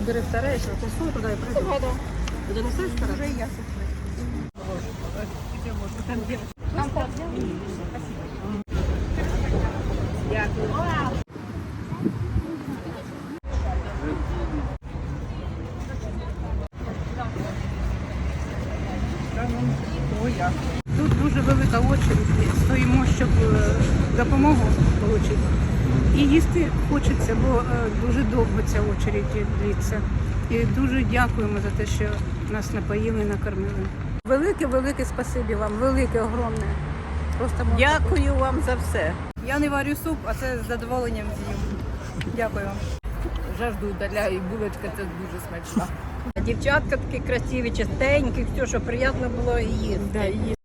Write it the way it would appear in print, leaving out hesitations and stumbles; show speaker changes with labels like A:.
A: бери вторая, еще посуду туда и пройду. Ты донесешь вторая? Уже я. Тут дуже велика очередь, стоїмо, щоб допомогу отримати. І їсти хочеться, бо дуже довго ця очередь длиться. І дуже дякуємо за те, що нас напоїли, накормили. Велике спасибі вам, велике, огромне. Просто
B: Дякую вам за все.
A: Я не варю суп, а це з задоволенням з'їм. Дякую вам.
B: Жажду удаляю, і булочка це дуже смачна. Дівчатка такі красиві, чистенькі, все, що приємно було і їсти.